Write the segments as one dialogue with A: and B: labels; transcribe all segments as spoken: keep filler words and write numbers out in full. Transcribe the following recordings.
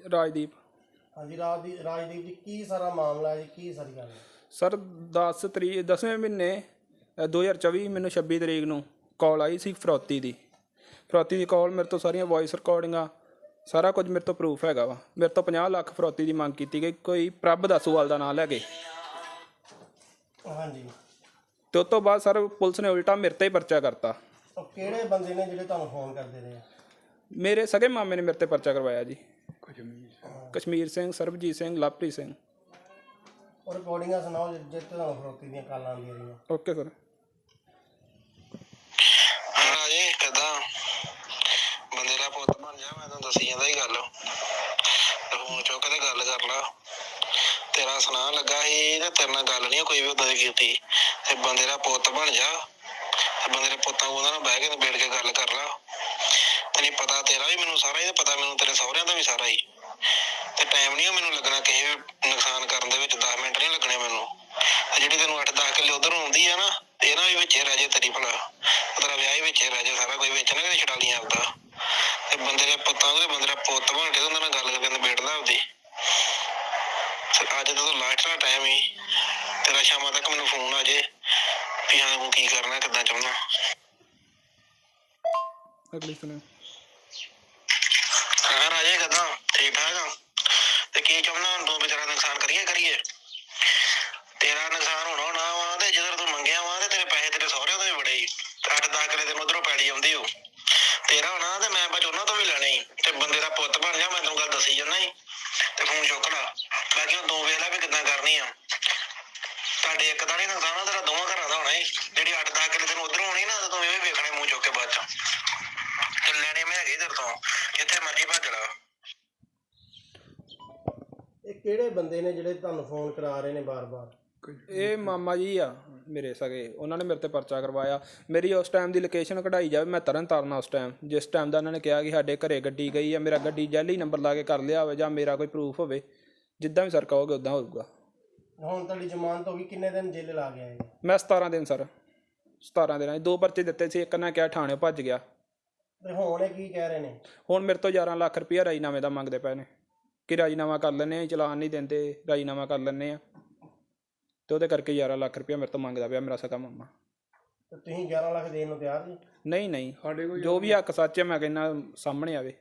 A: ਰਾਜਦੀਪ।
B: ਹਾਂਜੀ ਰਾਜਦੀਪ ਰਾਜਦੀਪ ਜੀ ਕੀ ਸਾਰਾ ਮਾਮਲਾ ਜੀ, ਕੀ ਸਾਰੀ ਗੱਲ ਹੈ?
A: ਸਰ ਦਸ ਤਰੀਕ ਦਸਵੇਂ ਮਹੀਨੇ ਦੋ ਹਜ਼ਾਰ ਚੌਵੀ ਮੈਨੂੰ ਛੱਬੀ ਤਰੀਕ ਨੂੰ ਕਾਲ ਆਈ ਸੀ ਫਰੌਤੀ ਦੀ ਫਰੌਤੀ ਦੀ ਕਾਲ। ਮੇਰੇ ਤੋਂ ਸਾਰੀਆਂ ਵੌਇਸ ਰਿਕਾਰਡਿੰਗਾਂ ਸਾਰਾ ਕੁਝ ਮੇਰੇ ਤੋਂ ਪ੍ਰੂਫ ਹੈਗਾ ਵਾ। ਮੇਰੇ ਤੋਂ ਪੰਜਾਹ ਲੱਖ ਫਰੌਤੀ ਦੀ ਮੰਗ ਕੀਤੀ ਗਈ, ਕੋਈ ਪ੍ਰਭ ਦਾਸੂਵਾਲ ਦਾ ਨਾਂ ਲੈ ਕੇ।
B: ਹਾਂਜੀ।
A: ਤੇ ਉਸ ਤੋਂ ਬਾਅਦ ਸਰ ਪੁਲਿਸ ਨੇ ਉਲਟਾ ਮੇਰੇ 'ਤੇ ਹੀ ਪਰਚਾ ਕਰਤਾ।
B: ਉਹ ਕਿਹੜੇ ਬੰਦੇ ਨੇ ਜਿਹੜੇ ਤੁਹਾਨੂੰ ਫੋਨ ਕਰਦੇ ਰਹੇ?
A: ਮੇਰੇ ਸਗੇ ਮਾਮੇ ਨੇ ਮੇਰੇ 'ਤੇ ਪਰਚਾ ਕਰਵਾਇਆ ਜੀ। ਕਸ਼ਮੀਰ ਸਿੰਘ, ਸਰਬਜੀਤ ਸਿੰਘ, ਲਵਪ੍ਰੀਤ ਸਿੰਘ।
B: ਉਹ ਰਿਕਾਰਡਿੰਗਾਂ ਸੁਣਾਓ ਜਿੱਥੇ ਤੁਹਾਨੂੰ ਫਰੌਤੀ ਦੀਆਂ ਕਾਲਾਂ ਆਉਂਦੀਆਂ ਰਹੀਆਂ।
A: Okay sir.
C: ਹਾਂ ਜੀ ਕਿੱਦਾਂ ਬੰਦੇ ਦਾ ਪੁੱਤ ਬਣ ਜਾ, ਮੈਂ ਤੈਨੂੰ ਦੱਸੀ ਜਾਂਦਾ ਹੀ ਗੱਲ। ਫੋਨ ਚੁੱਕ ਤੇ ਗੱਲ ਕਰ ਲਾ। ਤੇਰਾ ਸੁਣਾ ਲੱਗਾ ਸੀ ਤੇ ਤੇਰੇ ਨਾਲ ਗੱਲ ਨਹੀਂ ਕੋਈ ਵੀ ਉਦਾਂ ਦੀ ਕੀਤੀ। ਤੇ ਬੰਦੇ ਦਾ ਪੁੱਤ ਬਣ ਜਾ ਤੇ ਬੰਦੇ ਦੇ ਪੁੱਤਾਂ ਉਹਨਾਂ ਨਾਲ ਬਹਿ ਕੇ ਨਿਬੇੜ ਕੇ ਗੱਲ ਕਰ ਲਾ। ਤੈਨੂੰ ਪਤਾ ਤੇਰਾ ਵੀ ਮੈਨੂੰ ਸਾਰਾ ਹੀ, ਤੇ ਪਤਾ ਮੈਨੂੰ ਤੇਰੇ ਸਹੁਰਿਆਂ ਦਾ ਵੀ ਸਾਰਾ ਹੀ। ਤੇ ਟਾਈਮ ਨਹੀਂ ਮੈਨੂੰ ਲੱਗਣਾ ਕਿਸੇ ਵੀ ਨੁਕਸਾਨ ਕਰਨ ਦੇ ਵਿੱਚ, ਦਸ ਮਿੰਟ ਨਹੀਂ ਲੱਗਣੇ ਮੈਨੂੰ। ਤੇ ਜਿਹੜੀ ਤੈਨੂੰ ਅੱਠ ਦਸ ਕਿੱਲੇ ਉੱਧਰੋਂ ਆਉਂਦੀ ਆ ਨਾ, ਇਹਨਾਂ ਵੀ ਵਿੱਚੇ ਰਹਿ ਜੇ ਤੇਰੀ ਭਲਾ। ਤੇਰਾ ਵਿਆਹ ਹੀ ਵਿੱਚੇ ਰਹਿ ਜੇ, ਸਾਰਾ ਕੁਝ ਵਿੱਚ ਨਾ ਕਿਤੇ ਛਡਾ ਲਈ ਆਪਦਾ। ਤੇ ਬੰਦੇ ਦੇ ਪੁੱਤਾਂ ਦੇ ਬੰਦੇ ਦਾ ਪੁੱਤ ਬਣ ਕੇ ਉਹਨਾਂ ਨਾਲ ਗੱਲ ਕਰਕੇ ਨਿਬੇੜਦਾ ਆਪਦੀ। ਅੱਜ ਤਾਂ ਲਾਸਟ ਦਾ ਟਾਈਮ ਹੀ ਤੇਰਾ, ਸ਼ਾਮਾਂ ਤੱਕ ਮੈਨੂੰ ਫੋਨ ਆ ਜੇ ਵੀ ਹਾਂ ਤੂੰ ਕੀ ਕਰਨਾ, ਕਿੱਦਾਂ ਚਾਹੁੰਦਾ।
A: ਅਗਲੀ ਸੁਣੋ।
C: ਹਾਂ ਰਾਜੇ ਕਿੱਦਾਂ, ਠੀਕ ਠਾਕ ਆ? ਤੇ ਕੀ ਚਾਹੁੰਦਾ ਹੁਣ ਤੂੰ ਵੀ? ਤੇਰਾ ਨੁਕਸਾਨ ਕਰੀਏ ਕਰੀਏ ਤੇਰਾ ਨੁਕਸਾਨ ਹੋਣਾ ਹੋਣਾ ਵਾ। ਤੇ ਜਦੋਂ ਤੂੰ ਮੰਗਿਆ ਵਾ ਤੇ ਤੇਰੇ ਪੈਸੇ ਤੇਰੇ ਸਹੁਰਿਆਂ ਤੋਂ ਵੀ ਬੜੇ ਹੀ। ਅੱਠ ਦਸ ਕਿੱਲੇ ਤੈਨੂੰ ਉੱਧਰੋਂ ਪੈਲੀ ਆਉਂਦੀ ਹੋ ਤੇਰਾ ਹੋਣਾ, ਤੇ ਮੈਂ ਬਸ ਉਹਨਾਂ ਤੋਂ ਵੀ ਲੈਣੇ ਹੀ। ਤੇ ਬੰਦੇ ਦਾ ਪੁੱਤ ਬਣ ਜਾ, ਮੈਂ ਤੈਨੂੰ ਗੱਲ ਦੱਸੀ ਜਾਂਦਾ ਹੀ। ਤੇ ਫੋਨ ਚੁੱਕ ਲਾ। ਬਾਕੀ ਹੁਣ ਤੂੰ ਵੇਖ ਲੈ ਵੀ ਕਿੱਦਾਂ ਕਰਨੀ ਆ। ਤੁਹਾਡੇ ਇੱਕ ਦਾ ਨੀ ਨੁਕਸਾਨ ਆ, ਤੇਰਾ ਦੋਵਾਂ ਘਰਾਂ ਦਾ ਹੋਣਾ ਹੀ। ਜਿਹੜੀ ਅੱਠ ਦਸ ਕਿੱਲੇ ਤੈਨੂੰ ਉੱਧਰੋਂ ਆਉਣੀ ਨਾ, ਤੂੰ ਇਹ ਵੀ ਵੇਖਣੇ ਮੂੰਹ ਚੁੱਕ ਕੇ ਬਾਅਦ ਚ। ਤੇ ਲੈਣੇ ਮੈਂ ਹੈਗੇ ਤੇਰੇ ਤੋਂ, ਜਿੱਥੇ ਮਰਜ਼ੀ ਭੱਜ ਲਾ।
B: ਇਹ ਕਿਹੜੇ ਬੰਦੇ ਨੇ ਜਿਹੜੇ ਤੁਹਾਨੂੰ ਫੋਨ ਕਰਾ ਰਹੇ ਨੇ ਬਾਰ-ਬਾਰ?
A: ਇਹ ਮਾਮਾ ਜੀ ਆ ਮੇਰੇ ਸਗੇ, ਉਹਨਾਂ ਨੇ ਮੇਰੇ 'ਤੇ ਪਰਚਾ ਕਰਵਾਇਆ। ਮੇਰੀ ਉਸ ਟਾਈਮ ਦੀ ਲੋਕੇਸ਼ਨ ਕਢਾਈ ਜਾਵੇ, ਮੈਂ ਤਰਨ ਤਾਰਨ ਉਸ ਟਾਈਮ ਜਿਸ ਟਾਈਮ ਦਾ ਉਹਨਾਂ ਨੇ ਕਿਹਾ ਕਿ ਸਾਡੇ ਘਰੇ ਗੱਡੀ ਗਈ ਆ। ਮੇਰਾ ਗੱਡੀ ਜੈਲੀ ਨੰਬਰ ਲਾ ਕੇ ਕਰ ਲਿਆ ਹੋਵੇ, ਜਾਂ ਮੇਰਾ ਕੋਈ ਪ੍ਰੂਫ ਹੋਵੇ, ਜਿੱਦਾਂ ਵੀ ਸਰ ਕਹੋਗੇ ਉੱਦਾਂ ਹੋਊਗਾ।
B: ਹੁਣ ਤੁਹਾਡੀ ਜ਼ਮਾਨਤ ਹੋ ਗਈ, ਕਿੰਨੇ ਦਿਨ ਜੇਲ੍ਹ ਲਾ ਗਿਆ?
A: ਮੈਂ ਸਤਾਰਾਂ ਦਿਨ ਸਰ, ਸਤਾਰਾਂ ਦਿਨਾਂ ਦੋ ਪਰਚੇ ਦਿੱਤੇ ਸੀ। ਇੱਕ ਨੇ ਕਿਹਾ ਥਾਣੇ ਭੱਜ ਗਿਆ।
B: ਤੇ ਹੁਣ ਇਹ ਕੀ ਕਹਿ ਰਹੇ ਨੇ?
A: ਹੁਣ ਮੇਰੇ ਤੋਂ ਗਿਆਰਾਂ ਲੱਖ ਰੁਪਈਆ ਰਾਜੀਨਾਮੇ ਦਾ ਮੰਗਦੇ ਪਏ ਨੇ ਕਿ ਰਾਜੀਨਾਮਾ ਕਰ ਲੈਂਦੇ ਹਾਂ, ਚਲਾਨ ਨਹੀਂ ਦਿੰਦੇ, ਰਾਜੀਨਾਮਾ ਕਰ ਲੈਂਦੇ ਹਾਂ। ਅਤੇ ਉਹਦੇ ਕਰਕੇ ਗਿਆਰਾਂ ਲੱਖ ਰੁਪਈਆ ਮੇਰੇ ਤੋਂ ਮੰਗਦਾ ਪਿਆ ਮੇਰਾ ਸਕਾ ਮਾਮਾ।
B: ਤੇ ਤੁਸੀਂ ਗਿਆਰਾਂ ਲੱਖ ਦੇਣ ਨੂੰ ਤਿਆਰ ਜੀ?
A: ਨਹੀਂ ਨਹੀਂ, ਸਾਡੇ ਕੋਲ ਜੋ ਵੀ ਹੱਕ ਸੱਚ ਹੈ ਮੈਂ ਕਹਿੰਦਾ ਸਾਹਮਣੇ ਆਵੇ।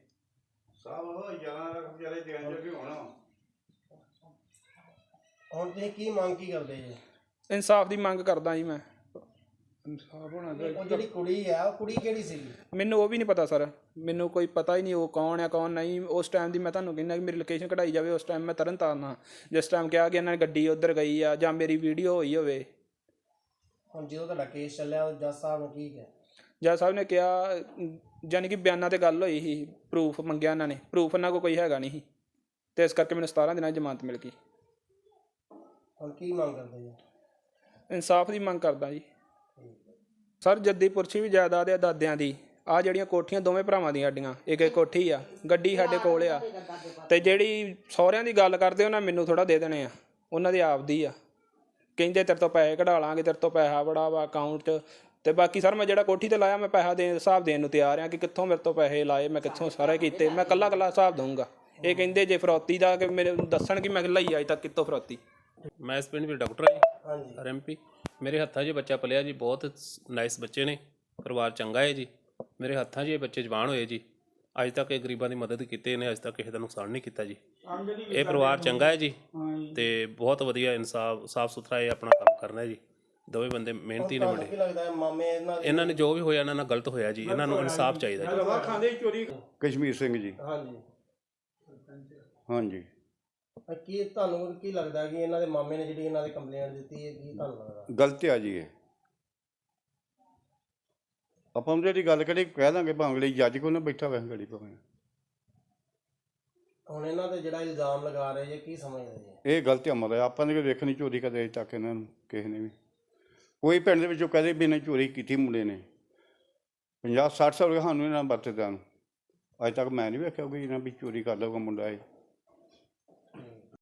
B: ਹੁਣ ਤੁਸੀਂ ਕੀ ਮੰਗ ਕੀ ਕਰਦੇ ਜੀ?
A: ਇਨਸਾਫ ਦੀ ਮੰਗ ਕਰਦਾ ਜੀ ਮੈਂ। ਇਨਸਾਫ ਹੋਣਾ ਚਾਹੀਦਾ।
B: ਉਹ ਜਿਹੜੀ ਕੁੜੀ ਆ, ਉਹ ਕੁੜੀ ਕਿਹੜੀ ਸੀਗੀ?
A: ਮੈਨੂੰ ਉਹ ਵੀ ਨਹੀਂ ਪਤਾ ਸਰ, ਮੈਨੂੰ ਕੋਈ ਪਤਾ ਹੀ ਨਹੀਂ ਉਹ ਕੌਣ ਆ ਕੌਣ ਨਹੀਂ। ਉਸ ਟਾਈਮ ਦੀ ਮੈਂ ਤੁਹਾਨੂੰ ਕਹਿੰਦਾ ਕਿ ਮੇਰੀ ਲੋਕੇਸ਼ਨ ਕਢਾਈ ਜਾਵੇ। ਉਸ ਟਾਈਮ ਮੈਂ ਤਰਨ ਤਾਰਨ ਹਾਂ, ਜਿਸ ਟਾਈਮ ਕਿਹਾ ਕਿ ਇਹਨਾਂ ਨੇ ਗੱਡੀ ਉੱਧਰ ਗਈ ਆ, ਜਾਂ ਮੇਰੀ ਵੀਡੀਓ ਹੋਈ ਹੋਵੇ।
B: ਹੁਣ ਜਦੋਂ ਤੁਹਾਡਾ ਕੇਸ ਚੱਲਿਆ ਜੱਜ ਸਾਹਿਬ ਨੇ ਕੀ ਕਿਹਾ?
A: ਜੱਜ ਸਾਹਿਬ ਨੇ ਕਿਹਾ, ਯਾਨੀ ਕਿ ਬਿਆਨਾਂ 'ਤੇ ਗੱਲ ਹੋਈ ਸੀ, ਪ੍ਰੂਫ ਮੰਗਿਆ ਇਹਨਾਂ ਨੇ, ਪ੍ਰੂਫ ਇਹਨਾਂ ਕੋਲ ਕੋਈ ਹੈਗਾ ਨਹੀਂ ਸੀ, ਅਤੇ ਇਸ ਕਰਕੇ ਮੈਨੂੰ ਸਤਾਰਾਂ ਦਿਨਾਂ ਦੀ ਜ਼ਮਾਨਤ ਮਿਲ ਗਈ।
B: ਹੁਣ ਕੀ ਮੰਗ ਕਰਦੇ ਜੀ?
A: ਇਨਸਾਫ ਦੀ ਮੰਗ ਕਰਦਾ ਜੀ ਸਰ। ਜੱਦੀ ਪੁਰਸ਼ੀ ਵੀ ਜਾਇਦਾਦ ਆ ਦਾਦਿਆਂ ਦੀ। ਆਹ ਜਿਹੜੀਆਂ ਕੋਠੀਆਂ ਦੋਵੇਂ ਭਰਾਵਾਂ ਦੀਆਂ ਸਾਡੀਆਂ, ਇੱਕ ਇੱਕ ਕੋਠੀ ਆ, ਗੱਡੀ ਸਾਡੇ ਕੋਲ ਆ। ਅਤੇ ਜਿਹੜੀ ਸਹੁਰਿਆਂ ਦੀ ਗੱਲ ਕਰਦੇ ਉਹਨਾਂ ਮੈਨੂੰ ਥੋੜ੍ਹਾ ਦੇ ਦੇਣੇ ਆ, ਉਹਨਾਂ ਦੀ ਆਪਦੀ ਆ। ਕਹਿੰਦੇ ਤੇਰੇ ਤੋਂ ਪੈਸੇ ਕਢਾ ਲਾਂਗੇ, ਤੇਰੇ ਤੋਂ ਪੈਸਾ ਬੜਾ ਵਾ ਅਕਾਊਂਟ 'ਚ। ਅਤੇ ਬਾਕੀ ਸਰ ਮੈਂ ਜਿਹੜਾ ਕੋਠੀ 'ਤੇ ਲਾਇਆ, ਮੈਂ ਪੈਸਾ ਦੇਣ ਹਿਸਾਬ ਦੇਣ ਨੂੰ ਤਿਆਰ ਹਾਂ ਕਿ ਕਿੱਥੋਂ ਮੇਰੇ ਤੋਂ ਪੈਸੇ ਲਾਏ, ਮੈਂ ਕਿੱਥੋਂ ਸਾਰੇ ਕੀਤੇ, ਮੈਂ ਇਕੱਲਾ ਇਕੱਲਾ ਹਿਸਾਬ ਦਊਂਗਾ। ਇਹ ਕਹਿੰਦੇ ਜੇ ਫਰੌਤੀ ਦਾ ਕਿ ਮੇਰੇ ਦੱਸਣ ਕਿ ਮੈਂ ਲਈ ਅੱਜ ਤੱਕ ਕਿੱਥੋਂ ਫਰੌਤੀ।
D: ਮੈਂ ਇਸ ਪਿੰਡ ਵਿੱਚ ਡਾਕਟਰ ਹਾਂ ਜੀ।
B: ਹਾਂਜੀ।
D: R M P. ਮੇਰੇ ਹੱਥਾਂ 'ਚ ਬੱਚਾ ਪਲਿਆ ਜੀ, ਬਹੁਤ ਨਾਈਸ ਬੱਚੇ ਨੇ, ਪਰਿਵਾਰ ਚੰਗਾ ਹੈ ਜੀ। ਮੇਰੇ ਹੱਥਾਂ 'ਚ ਇਹ ਬੱਚੇ ਜਵਾਨ ਹੋਏ ਜੀ। ਅੱਜ ਤੱਕ ਇਹ ਗਰੀਬਾਂ ਦੀ ਮਦਦ ਕੀਤੀ ਇਹਨੇ, ਅੱਜ ਤੱਕ ਕਿਸੇ ਦਾ ਨੁਕਸਾਨ ਨਹੀਂ ਕੀਤਾ ਜੀ। ਇਹ ਪਰਿਵਾਰ ਚੰਗਾ ਹੈ ਜੀ, ਅਤੇ ਬਹੁਤ ਵਧੀਆ ਇਨਸਾਫ ਸਾਫ ਸੁਥਰਾ ਇਹ ਆਪਣਾ ਕੰਮ ਕਰਨਾ ਜੀ। ਦੋਵੇਂ ਬੰਦੇ ਮਿਹਨਤੀ ਨੇ ਮੁੰਡੇ।
B: ਕੀ ਲੱਗਦਾ ਮਾਮੇ ਇਹਨਾਂ ਦੇ?
D: ਇਹਨਾਂ ਨੇ ਜੋ ਵੀ ਹੋਇਆ ਇਹਨਾਂ ਨਾਲ ਗਲਤ ਹੋਇਆ ਜੀ, ਇਹਨਾਂ ਨੂੰ ਇਨਸਾਫ ਚਾਹੀਦਾ ਜੀ।
E: ਕਸ਼ਮੀਰ ਸਿੰਘ ਜੀ।
B: ਹਾਂਜੀ
E: ਹਾਂਜੀ।
B: ਕੀ ਤੁਹਾਨੂੰ ਕੀ ਲੱਗਦਾ ਕਿ ਇਹਨਾਂ ਦੇ ਮਾਮੇ ਨੇ ਜਿਹੜੀ ਇਹਨਾਂ ਦੀ ਕੰਪਲੇਂਟ ਦਿੱਤੀ ਹੈ, ਕੀ ਤੁਹਾਨੂੰ ਲੱਗਦਾ?
E: ਗਲਤ ਆ ਜੀ ਇਹ। ਆਪਾਂ ਜਿਹੜੀ ਗੱਲ ਕਰੀ ਕਹਿ ਦਾਂਗੇ, ਭਾਵੇਂ ਲਈ ਜੱਜ ਕੋਲ ਨਾ ਬੈਠਾ ਵੈਸੇ ਗੜੀ ਭਾਵੇਂ।
B: ਹੁਣ ਇਹਨਾਂ ਤੇ ਜਿਹੜਾ ਇਲਜ਼ਾਮ ਲਗਾ ਰਹੇ ਜੇ, ਕੀ ਸਮਝਦੇ ਜੀ?
E: ਇਹ ਗਲਤ ਅਮਲ ਹੈ। ਆਪਾਂ ਨੇ ਵੇਖਣੀ ਚੋਰੀ ਕਦੇ ਅਜੇ ਤੱਕ ਇਹਨਾਂ ਨੂੰ ਕਿਸੇ ਨੇ ਵੀ, ਕੋਈ ਪਿੰਡ ਦੇ ਵਿੱਚੋਂ ਕਦੇ ਵੀ ਇਹਨੇ ਚੋਰੀ ਕੀਤੀ ਮੁੰਡੇ ਨੇ। ਪੰਜਾਹ ਸੱਠ ਸਾਲ ਸਾਨੂੰ ਇਹਨਾਂ ਵਰਤਦਿਆਂ ਨੂੰ, ਅੱਜ ਤੱਕ ਮੈਂ ਨਹੀਂ ਵੇਖਿਆ ਕੋਈ ਇਹਨਾਂ ਵੀ ਚੋਰੀ ਕਰ ਲਊਗਾ ਮੁੰਡਾ ਇਹ।